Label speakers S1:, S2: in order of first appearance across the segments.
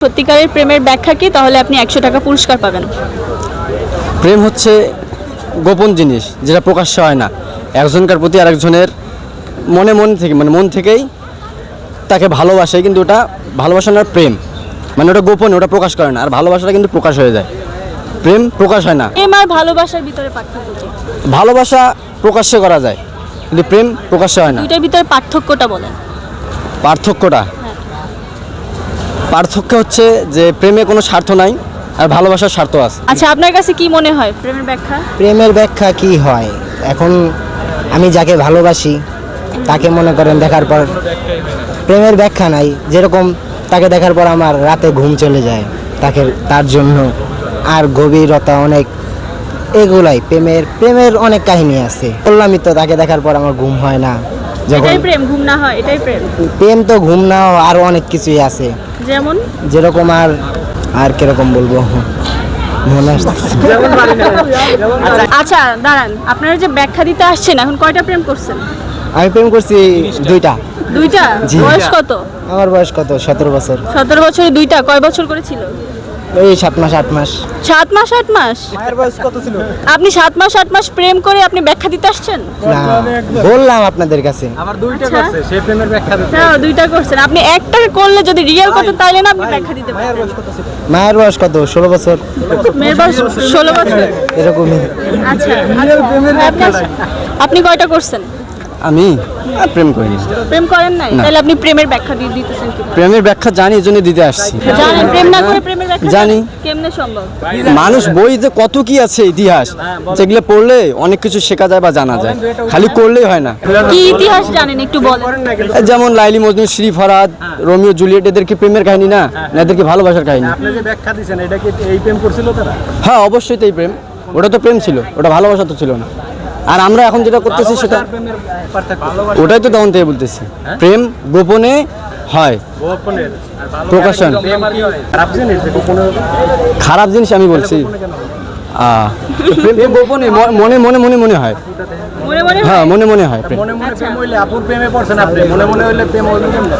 S1: সত্যিকারের প্রেমের ব্যাখ্যা কি, তাহলে আপনি 100 টাকা পুরস্কার পাবেন।
S2: প্রেম হচ্ছে গোপন জিনিস, যেটা প্রকাশ্য হয় না। একজনকার প্রতি আরেকজনের মন থেকেই তাকে ভালোবাসে, কিন্তু ওটা ভালোবাসা না, প্রেম মানে ওটা গোপন, ওটা প্রকাশ করে না। আর ভালোবাসাটা কিন্তু প্রকাশ হয়ে যায়, প্রেম প্রকাশ হয় না।
S1: প্রেম আর ভালোবাসার ভিতরে পার্থক্য কি?
S2: ভালোবাসা প্রকাশ্যে করা যায়, কিন্তু প্রেম প্রকাশ্যে হয় না।
S1: দুইটার ভিতরে পার্থক্যটা বলেন।
S2: পার্থক্য হচ্ছে যে প্রেমে কোনো স্বার্থ নাই, আর ভালোবাসার স্বার্থ আছে।
S1: আচ্ছা, আপনার কাছে কি মনে হয় প্রেমের ব্যাখ্যা?
S3: প্রেমের ব্যাখ্যা কি হয়? এখন আমি যাকে ভালোবাসি তাকে মনে করেন দেখার পর প্রেমের ব্যাখ্যা নাই। যেরকম তাকে দেখার পর আমার রাতে ঘুম চলে যায়, তার জন্য আর গভীরতা অনেক, এগুলাই প্রেমের অনেক কাহিনী আছে। বললামই তো, তাকে দেখার পর আমার ঘুম হয় না। যখন
S1: এটাই প্রেম, ঘুম না হয় এটাই প্রেম?
S3: প্রেম তো ঘুম না হয়, আরও অনেক কিছুই আছে।
S1: যেমন
S3: যেরকম আর কিরকম বলবো, মনে আসছে।
S1: আচ্ছা দাঁড়ান, আপনারা যে ব্যাখ্যা দিতে আসছেন, এখন কয়টা প্রেম করছেন?
S3: আমি প্রেম করছি দুইটা।
S1: দুইটা?
S3: জি।
S1: বয়স কত?
S3: আমার বয়স কত? 17 বছর।
S1: 17 বছরে দুইটা? কয় বছর করেছিল?
S3: এই 7 মাস 8 মাস।
S1: 7 মাস 8 মাস?
S3: মায়ের বয়স কত ছিল?
S1: আপনি 7 মাস 8 মাস প্রেম করে আপনি ব্যাখ্যা দিতে আসছেন?
S3: না, বললাম আপনাদের কাছে।
S4: আমার দুইটা
S1: আচ্ছা।
S4: করছে, সে প্রেমের ব্যাখ্যা দিতে।
S1: হ্যাঁ, দুইটা করছেন আপনি। একটা করলে যদি রিয়েল করতেন তাহলে না আপনি ব্যাখ্যা দিতে পারতেন।
S3: মায়ের বয়স কত? 16 বছর।
S1: মেয়ের বয়স 16 বছর?
S3: এরকমই।
S1: আচ্ছা, আপনি কয়টা করছেন?
S2: আমি প্রেম করিনি।
S1: প্রেম করেন নাই? তাহলে আপনি প্রেমের ব্যাখ্যা দিয়ে দিতেছেন কি?
S2: প্রেমের ব্যাখ্যা জানি, এই জন্য দিতে আসছি।
S1: জানেন প্রেম না করে প্রেমের ব্যাখ্যা
S2: জানি।
S1: কেমনে সম্ভব?
S2: মানুষ বইতে কত কি আছে ইতিহাস, যেগুলো পড়লে অনেক কিছু শেখা যায় বা জানা যায়, খালি করলেই হয় না।
S1: কি ইতিহাস জানেন একটু বলেন।
S2: যেমন লাইলি মজনু, শ্রী ফরহাদ, রোমিও জুলিয়েট, এদের কি প্রেমের কাহিনী না, এদের কি ভালোবাসার কাহিনী?
S4: আপনি যে ব্যাখ্যা দিয়েছেন, এটা কি এই প্রেম করছিল তারা?
S2: হ্যাঁ, অবশ্যই তো এই প্রেম। ওটা তো প্রেম ছিল, ওটা ভালোবাসা তো ছিল না। আর আমরা এখন যেটা করতেছি সেটা,
S4: প্রেমের পার্থক্য
S2: ওটাই তো তখন থেকে বলতেছি, প্রেম গোপনে হয়,
S4: গোপনের আর
S2: প্রকাশন।
S4: প্রেম কি খারাপ জিনিস? যে গোপনের
S2: খারাপ জিনিস আমি বলছি? প্রেম তো গোপনে, মনে মনে মনে মনে হয়।
S1: মনে মনে
S2: হ্যাঁ, মনে মনে হয় প্রেম।
S4: মনে মনে প্রেম হইলে আপুর প্রেমে পড়ছেন আপনি, মনে মনে হইলে প্রেম হইল কেমনে?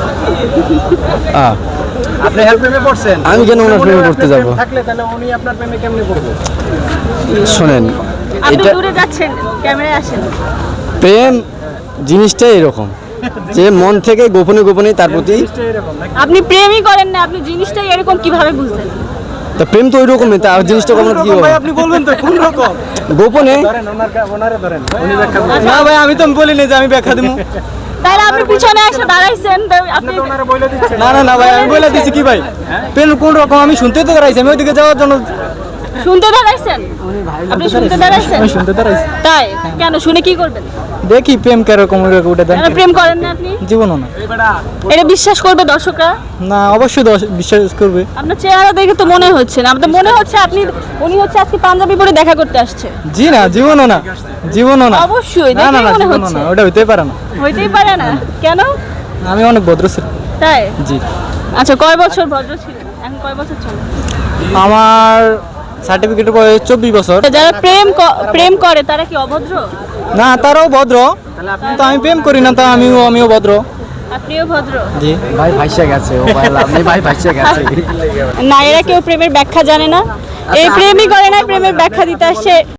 S2: আহ,
S4: আপনি হেল্প প্রেমে পড়ছেন,
S2: আমি কেন ওনার
S4: মনে
S2: প্রেমে
S4: মনে
S2: পড়তে
S4: আপনার
S2: যাবো?
S4: প্রেম থাকলে তাহলে উনি আপনার প্রেমে কেমনে পড়বে?
S2: শোনেন,
S1: আপনি
S2: এটা
S1: দূরে যাচ্ছেন, ক্যামেরায় আসেন।
S2: প্রেম জিনিসটাই এরকম, যে মন থেকে গোপনে গোপনে তার প্রতি।
S4: জিনিসটা এরকম নাকি?
S1: আপনি প্রেমই করেন না, আপনি জিনিসটাই এরকম কিভাবে বুঝলেন?
S2: তা প্রেম তো ওই রকমই, তার জিনিসটা গোপনে কি হবে?
S4: ভাই আপনি বলবেন তো কোন রকম?
S2: গোপনে।
S4: ধরেন ওনারে ধরেন, উনি ব্যাখ্যা দিবেন।
S2: না ভাই, আমি তো বলিনি যে আমি ব্যাখ্যা দিব।
S1: তাহলে আপনি পিছনে এসে দাঁড়াইছেন, তো আপনি
S4: তো ওনারে বলে দিচ্ছেন।
S2: না ভাই, আমি বলে দিছি কি ভাই, প্রেম কোন রকম আমি শুনতে তো দাঁড়াইছি, আমি ওইদিকে যাওয়ার জন্য।
S1: শুনতে দাঁড়াইছেন? আপনি শুনতে দাঁড়াইছেন?
S2: শুনতে দাঁড়াইছি,
S1: তাই কেন? শুনে কি করবেন?
S2: দেখি প্রেম কেরকম উঠে দেন।
S1: কেন প্রেম করেন না আপনি?
S2: জীবনও না।
S1: এটা বিশ্বাস করবে দর্শকরা?
S2: না, অবশ্যই বিশ্বাস করবে।
S1: আপনার চেহারা দেখে তো মনে হচ্ছে না, আমাদের মনে হচ্ছে উনি হচ্ছে আজকে পাঞ্জাবি পরে দেখা করতে আসছে।
S2: জি না, জীবনও না, জীবনও না।
S1: অবশ্যই
S2: না না
S1: দেখেই
S2: না,
S1: মনে
S2: জীবনও
S1: হচ্ছে।
S2: না, ওটা হইতেই পারে না।
S1: হইতেই পারে না কেন?
S2: আমি অনেক ভদ্র ছিল।
S1: তাই?
S2: জি।
S1: আচ্ছা, কয় বছর ভদ্র ছিলেন? এখন কয় বছর চলে?
S2: আমার সার্টিফিকেটের বয়স 24 বছর।
S1: যারা প্রেম করে তারা কি অভদ্র?
S2: না, তারাও ভদ্র, তো আমি প্রেম করি না, তা আমিও ভদ্র।
S1: আপনিও ভদ্র?
S2: জি। ভাই ভাইসা গেছে, ও ভাই আপনি ভাই ভাইসা গেছে।
S1: না, এরা কেউ প্রেমের ব্যাখ্যা জানে না, এই প্রেমই করে না, প্রেমের ব্যাখ্যা দিতে আসছে।